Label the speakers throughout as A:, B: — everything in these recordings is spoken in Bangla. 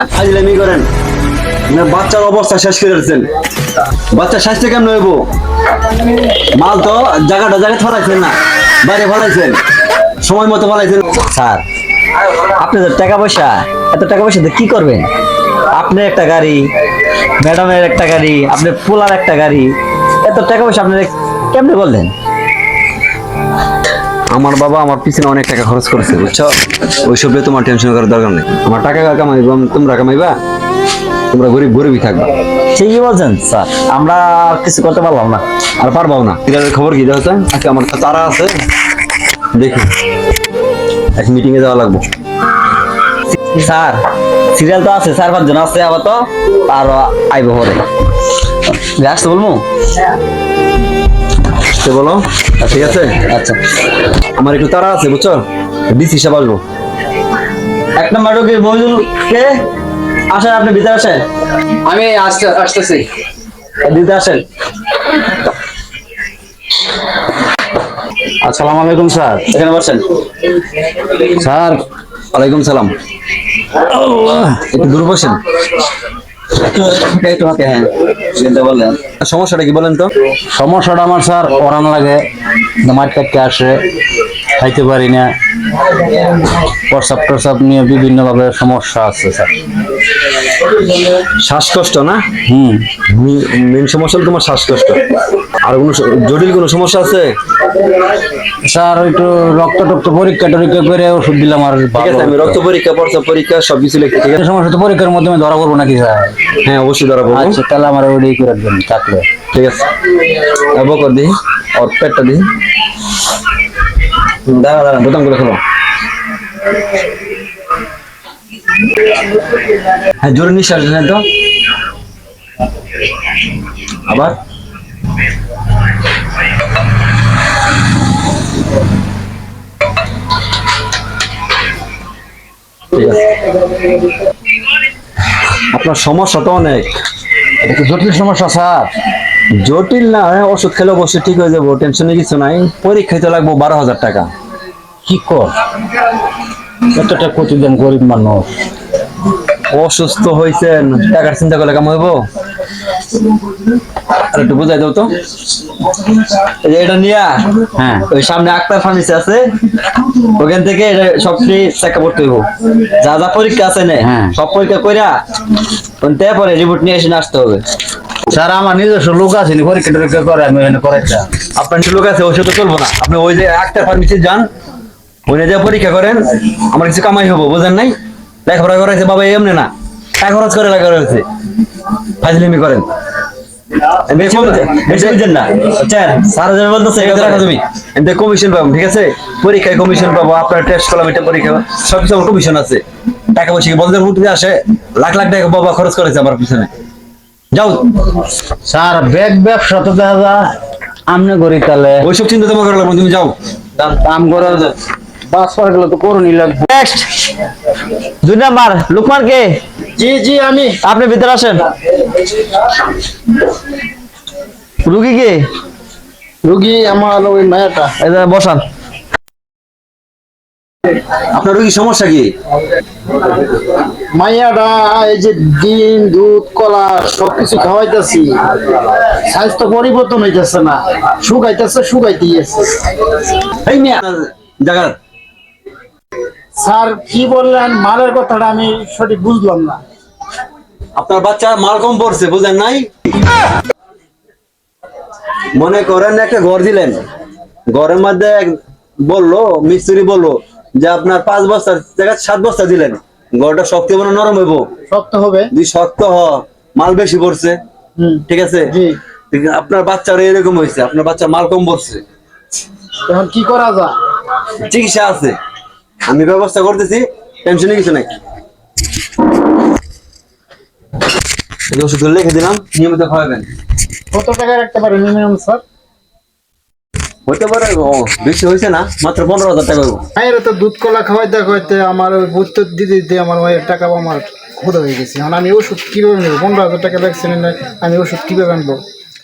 A: ফাজলামি করেন না, বাচ্চার অবস্থা শেষ করে দিচ্ছেন। বাচ্চার স্বাস্থ্য কেমন হইব? মাল তো জায়গাটা ফলাইছেন না, বাইরে ফলাইছেন, সময় মতো ফলাইছেন।
B: স্যার আপনাদের টাকা পয়সা, এত টাকা পয়সা দিয়ে কি করবেন? আপনার একটা গাড়ি, ম্যাডামের একটা গাড়ি, আপনার পোলার একটা গাড়ি, এত টাকা পয়সা আপনারা কেমনে বললেন?
A: আমার বাবা আমার পিছনে অনেক টাকা খরচ করেছে, বুঝছো? ওইসব নিয়ে তোমার টেনশন করার দরকার নেই। আমার টাকা কামাইবা, তোমরা কামাইবা, তোমরা গরিবই থাকবা।
B: ঠিকই বলছেন স্যার, আমরা আর কিছু করতে পারলাম না।
A: আর পারবাও না। সিরিয়ালের খবর কি দেখো? আজকে আমার তো তারা আছে, দেখি এক মিটিং এ যাওয়া লাগবে।
B: স্যার সিরিয়াল তো আছে, 4-5 জন আছে, আবার তো আরো আইব পরে। আসতে বলবো?
A: বলো। ঠিক আছে,
B: আচ্ছা।
A: আমার একটু তারা আছে, বুঝছো? ডিসি সাহেব আসবো।
B: 1 নম্বর রোগী মহিদুল কে? আসেন, আপনি ভিতরে আসেন।
C: আমি আসতেছি।
B: দিতে আসেন।
C: আসসালামু আলাইকুম স্যার।
B: এখানে বসেন।
C: স্যার
A: ওয়ালাইকুম সালাম। একটু দূর বসেন।
B: তোমাকে হ্যাঁ বলেন,
A: সমস্যাটা কি বলেন তো?
C: সমস্যাটা আমার স্যার ওরান লাগে, মার্কেটকে আসে, খাইতে পারি না, প্রসাব টসাব নিয়ে বিভিন্নভাবে সমস্যা আছে স্যার।
A: শ্বাসকষ্ট না?
C: হুম।
A: মেন সমস্যা হলো তোমার শ্বাসকষ্ট। আর কোনো জটিল কোনো সমস্যা আছে?
C: স্যার একটু রক্ত পরীক্ষা টরীক্ষা করে ওষুধ দিলাম আর
A: ঠিক আছে, আমি রক্ত পরীক্ষা, প্রস্রাব পরীক্ষা সবকিছু লিখে, ঠিক আছে?
C: সমস্যা তো পরীক্ষার মাধ্যমে ধরা পড়বো নাকি স্যার?
A: হ্যাঁ অবশ্যই ধরা পড়বো।
C: আচ্ছা তাহলে আমার ওইটাই করে দেবেন থাকলে।
A: ঠিক আছে, বকর দিই ওর পেটটা দিই। দাঁড়া বোতাম করে খোলো। হ্যাঁ জোরে নিঃশ্বাস নেন তো, আবার। ঠিক আছে, আপনার সমস্যা তো অনেক।
C: এটা কি জটিল সমস্যা স্যার?
A: জটিল না, ওষুধ খেলে অবশ্যই ঠিক হয়ে যাবো, টেনশনে কিছু নাই। পরীক্ষায় তো লাগবো 12,000 টাকা।
C: কি কর এতটা প্রতিদিন গরিব মানুষ।
A: অসুস্থ হয়েছেন, টাকার চিন্তা করলে কেমন হইব? আর একটু বুঝাই দাও তো। এই যে এটা নিয়া,
C: হ্যাঁ
A: ওই সামনে আক্তার ফার্মেসি আছে, ওখান থেকে এটা সব ফ্রি চেক আপ করতে হইব। যা যা পরীক্ষা আছে না,
C: হ্যাঁ।
A: সব পরীক্ষা কইরা তারপরে রিপোর্ট নিয়ে এসে আসতে হবে।
C: স্যার আমার নিজস্ব লোক আছে, পরীক্ষা টরীক্ষা করে আমি এখানে করাইতাম।
A: আপনার লোক আছে, ওই তো চলবো না। আপনি ওই যে আক্তার ফার্মেসি যান, ওইটা যে পরীক্ষা করেন, আমার কিছু কামাই হবো, বুঝেন নাই? লেখাপড়া করাইছে বাবা এমনি না, টাকা খরচ করে লেখা রয়েছে, ফাজলিমি করেন। কমিশন পাবো, ঠিক আছে? পরীক্ষায় কমিশন পাবো, আপনার টেস্ট করলাম, এটা পরীক্ষা সবকিছু কমিশন আছে। টাকা পয়সা বন্ধের মধ্যে আসে, লাখ লাখ টাকা বাবা খরচ করেছে আমার পিছনে। যাও
C: স্যার ব্যাগ ব্যবসা তো দেখা যায় আমনে করি, তাহলে
A: ওইসব চিন্তা তোমার করা লাগবে, তুমি যাও।
C: কাম করে বাস পরে গেলে তো করুনই লাগবে।
B: নেক্সট 2 নাম্বার লুকমান কে?
C: জি জি আমি।
B: আপনি ভিতরে আসেন। রুগী কে?
C: রুগী আমার ওই মায়াটা।
B: এই যে বসান।
A: আপনার কি সমস্যা কি?
C: মাইয়াটা এই যে ডিম দুধ কলা সবকিছু খাওয়াইতেছি, স্বাস্থ্য পরিবর্তন হইতেছে না, শুকাইতেই আছে।
A: এই মিয়া জায়গা।
C: স্যার কি বললেন মালের কথাটা আমি সঠিক বুঝলাম না।
A: আপনার বাচ্চা মাল কম পড়ছে, বুঝেন নাই? মনে করেন একটা ঘর দিলেন, ঘরের মধ্যে বললো মিস্ত্রি বললো যে আপনার 5 বস্তার জায়গায় 7 বস্তা দিলেন, ঘরটা শক্ত হবে না নরম হইব?
C: শক্ত হবে।
A: যদি শক্ত মাল বেশি পড়ছে, ঠিক আছে? আপনার বাচ্চার এরকম হয়েছে, আপনার বাচ্চা মাল কম পড়ছে।
C: এখন কি করা যায়?
A: চিকিৎসা আছে, আমি ব্যবস্থা করতেছি, টেনশনে কিছু নাই। ওষুধ লিখে দিলাম, নিয়মিত খাওয়াবেন।
C: কত টাকা রাখতে পারে মিনিমাম স্যার?
A: হইতে পারে বেশি হয়েছে না, মাত্র 15,000 টাকা।
C: মায়ের তো দুধ কলা খাওয়াইতে আমার বুঝতে দিতে আমার মায়ের টাকা আমার ক্ষুধা হয়ে গেছে। এখন আমি ওষুধ কিভাবে নেবো? 15,000 টাকা লাগছে না, আমি ওষুধ কিভাবে আনবো?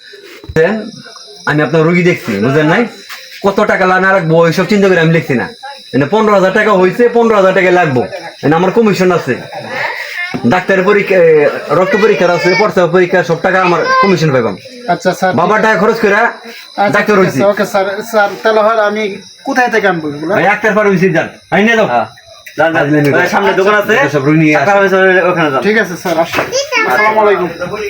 A: আমি আপনার রুগী দেখছি, বুঝলেন নাই? কত টাকা না রাখবো এইসব চিন্তা করে আমি লিখছি না। 15,000 টাকা হয়েছে, 15,000 টাকা লাগবো, আমার কমিশন আছে। ডাক্তারের পরীক্ষা, রক্ত পরীক্ষার আছে, প্রস্রাব পরীক্ষা, সব টাকা আমার কমিশন পাইবাম।
D: আচ্ছা স্যার,
A: বাবার টাকা খরচ করে ডাক্তার হয়েছি।
D: ওকে স্যার, স্যার তাহলে হয় আমি কোথায় থেকে আনবো এগুলো?
A: ভাই ডাক্তার ফার্মেসি যান, আই নিয়ে যাও।
B: সামনে দোকান আছে,
A: সব রুই নিয়ে আসো।
B: ওখানে যান।
D: ঠিক আছে স্যার, আসুন। আসসালামু আলাইকুম।